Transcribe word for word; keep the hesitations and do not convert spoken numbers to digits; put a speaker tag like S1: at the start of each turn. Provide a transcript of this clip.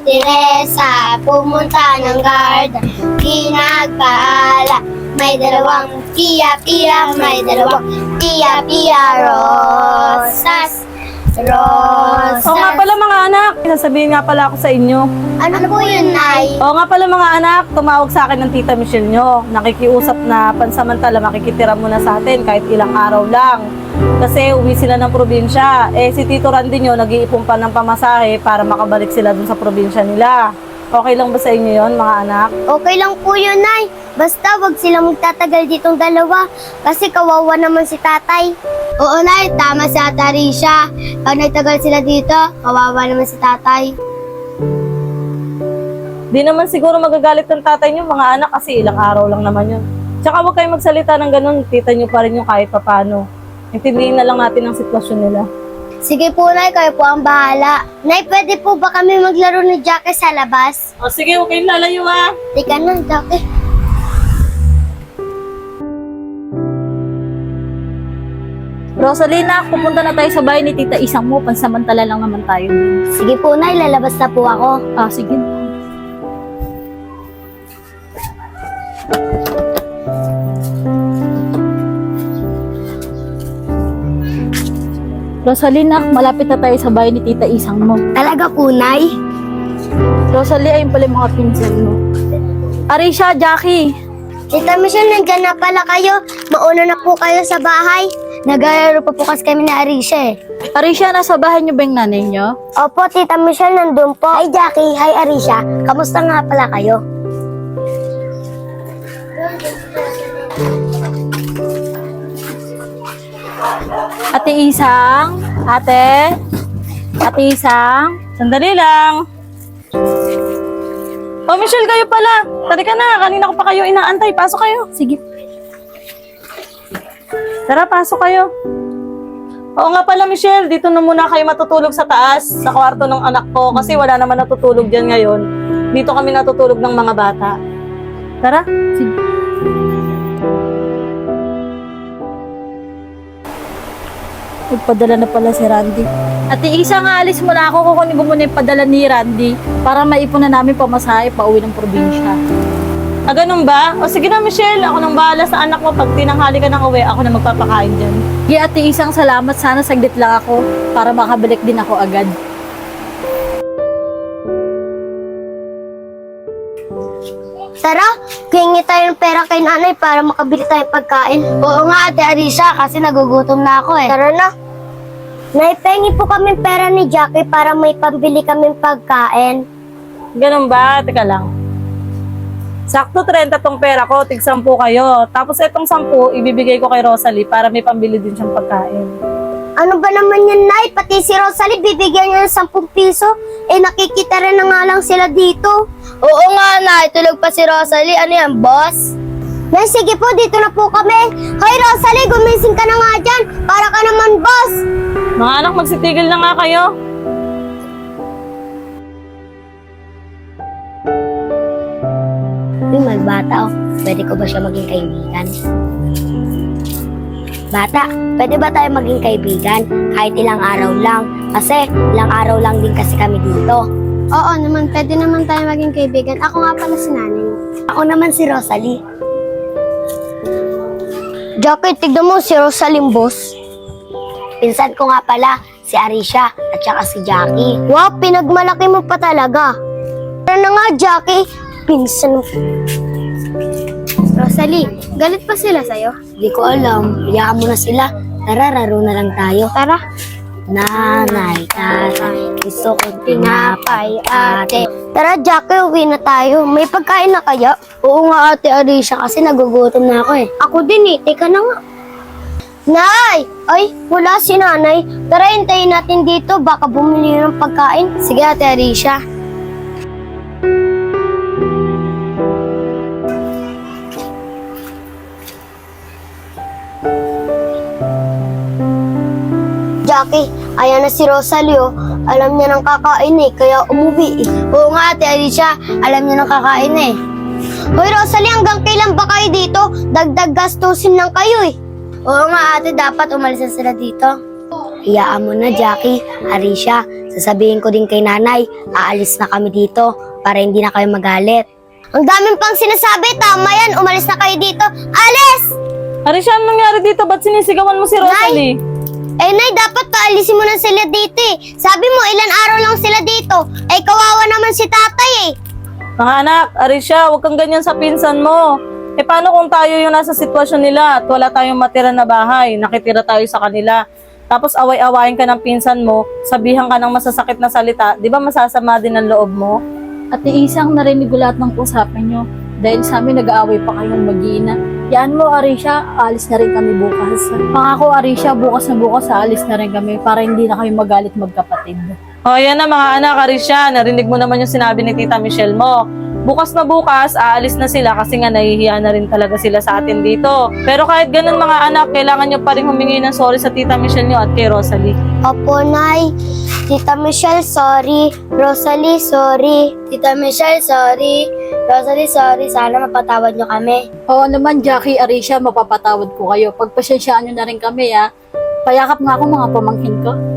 S1: Teresa, pumunta ng garden, pinagpala. May dalawang Pia Pia, may dalawang Pia Pia rosas. Rosas.
S2: Oo nga pala mga anak, sasabihin nga pala ako sa inyo.
S1: Ano po yun, Nay?
S2: Oo nga pala mga anak, tumawag sa akin ng tita Michelle nyo. Nakikiusap na pansamantala makikitira muna sa atin kahit ilang araw lang. Kasi uwi sila ng probinsya. Eh si Tito Randy nyo nag-iipon pa ng pamasahe para makabalik sila dun sa probinsya nila. Okay lang ba sa inyo yon mga anak?
S1: Okay lang po yun, Nay. Basta wag silang magtatagal ditong dalawa kasi kawawa naman si tatay. Oo, Nay. Tama si Ate Arisha. Pag nagtagal sila dito, kawawa naman si tatay.
S2: Di naman siguro magagalit ng tatay nyo mga anak kasi ilang araw lang naman yun. Tsaka huwag kayo magsalita ng ganun, tita nyo pa rin yung kahit papano. Intindihin na lang natin ang sitwasyon nila.
S1: Sige po, Nay. Kayo po ang bahala. Nay, pwede po ba kami maglaro ni Jackie sa labas?
S2: O sige, huwag kayong lalayo ha.
S1: Tika na, Jackie.
S3: Rosalina, pupunta na tayo sa bahay ni Tita Isang mo. Pansamantala lang naman tayo din.
S1: Sige po, Nay. Lalabas na po ako.
S3: Ah, sige. Rosalina, malapit na tayo sa bahay ni Tita Isang mo.
S1: Talaga po, Nay?
S3: Rosalie, ayun pala yung mga pinsan mo. Arisha, Jackie.
S1: Tita Michelle, nandiyan na pala kayo. Mauna na po kayo sa bahay. Naglalaro pa po kasi kami ni Arisha eh.
S3: Arisha, nasa bahay niyo ba yung nanay niyo?
S1: Opo, Tita Michelle, nandun po. Hi, Jackie. Hi, Arisha. Kamusta nga pala kayo?
S3: Ate Isang, ate, Ate Isang.
S2: Sandali lang. Oh, Michelle, kayo pala. Tari ka na, kanina ko pa kayo inaantay. Pasok kayo.
S3: Sige.
S2: Tara, pasok kayo. Oo nga pala, Michelle, dito na muna kayo matutulog sa taas, sa kwarto ng anak ko, kasi wala naman natutulog dyan ngayon. Dito kami natutulog ng mga bata. Tara.
S3: Sige. Nagpadala na pala si Randy. Ate Isa, nga alis mo na ako. Kukunin ko muna yung padala ni Randy para maipon na namin pamasahe pa uwi ng probinsya.
S2: Ah, ganun ba? O sige na, Michelle, ako nang bahala sa anak mo. Pag tinanghali ka ng uwi, ako na magpapakain dyan.
S3: Sige, Ate Isang, salamat. Sana saglit lang ako para makabalik din ako agad.
S1: Tara, hingi tayo ng pera kay nanay para makabili tayong pagkain. Oo nga, Ate Arisha, kasi nagugutom na ako eh. Tara na. Nay, pengi po kami pera ni Jackie para may pambili kaming pagkain.
S2: Ganun ba? Teka lang. Sakto trenta tong pera ko, tig sampu kayo. Tapos itong sampu, ibibigay ko kay Rosalie para may pambili din siyang pagkain.
S1: Ano ba naman yan, Nay? Pati si Rosalie, bibigyan niya ng sampung piso. Eh, nakikita rin na nga lang sila dito. Oo nga, Nay. Tulog pa si Rosalie. Ano yan, boss? Nay, sige po. Dito na po kami. Hoy, Rosalie, gumising ka na nga dyan. Para ka naman, boss.
S2: Mga anak, magsitigil na nga kayo.
S1: Uy, magbata oh. Pwede ko ba siya maging kaibigan? Bata, pwede ba tayo maging kaibigan? Kahit ilang araw lang. Kasi ilang araw lang din kasi kami dito. Oo naman, pwede naman tayo maging kaibigan. Ako nga pala si nanay. Ako naman si Rosalie. Jackie, tignan mo si Rosalie, boss. Pinsan ko nga pala, si Arisha at saka si Jackie. Wow, pinagmalaki mo pa talaga. Tara na nga, Jackie. Pinsan mo. Rosalie, galit pa sila sa'yo? Hindi ko alam. Hayaan mo na sila. Tara, raro na lang tayo. Tara. Nanay, tatay, gusto kong tinapay, ate. Tara, Jackie, uwi na tayo. May pagkain na kaya? Oo nga, Ate Arisha, kasi nagugutom na ako eh. Ako din eh. Teka na nga. Nay! Ay, wala si nanay. Tara, hintayin natin dito. Baka bumili ng pagkain. Sige, Ate Arisha. Jackie, ayan na si Rosalie oh. Alam niya nang kakain eh, kaya umuwi eh. Oo nga, Ate Arisha, alam niya nang kakain eh. Hoy Rosalie, hanggang kailan ba kayo dito? Dagdag gastusin lang kayo eh. Oo nga ate, dapat umalis na sila dito. Hayaan mo na, Jackie, Arisha, Sasabihin ko din kay nanay, aalis na kami dito para hindi na kayo magalit. Ang daming pang sinasabi, tama yan, umalis na kayo dito. Alis!
S2: Arisha, anong nangyari dito? Ba't sinisigawan mo si Rosalie?
S1: Eh, Nay, dapat paalisin mo na sila dito eh. Sabi mo, ilan araw lang sila dito. Eh, kawawa naman si tatay eh.
S2: Mga anak, Arisha, huwag kang ganyan sa pinsan mo. Eh paano kung tayo yung nasa sitwasyon nila at wala tayong matira na bahay, nakitira tayo sa kanila. Tapos away-awayin ka ng pinsan mo, sabihan ka ng masasakit na salita, di ba masasama din ang loob mo?
S3: Ate Isang, narinig ko lahat ng usapan nyo. Dahil sa amin, nag-aaway pa kayong mag-iina. Yan mo, Arisha, aalis na rin kami bukas. Pangako, Arisha, bukas na bukas, aalis na rin kami para hindi na kami magalit magkapatid.
S2: O yan na mga anak, Arisha, narinig mo naman yung sinabi ni Tita Michelle mo. Bukas na bukas, aalis na sila kasi nga nahihiya na rin talaga sila sa atin dito. Pero kahit ganun mga anak, kailangan nyo pa rin humingi ng sorry sa Tita Michelle nyo at kay Rosalie.
S1: Opo, Nay. Tita Michelle, sorry. Rosalie, sorry. Tita Michelle, sorry. Rosalie, sorry. Sana mapatawad nyo kami.
S3: Oo naman, Jackie, Arisha, mapapatawad ko kayo. Pagpasensyaan nyo na rin kami, ha. Payakap nga ako mga pamangkin ko.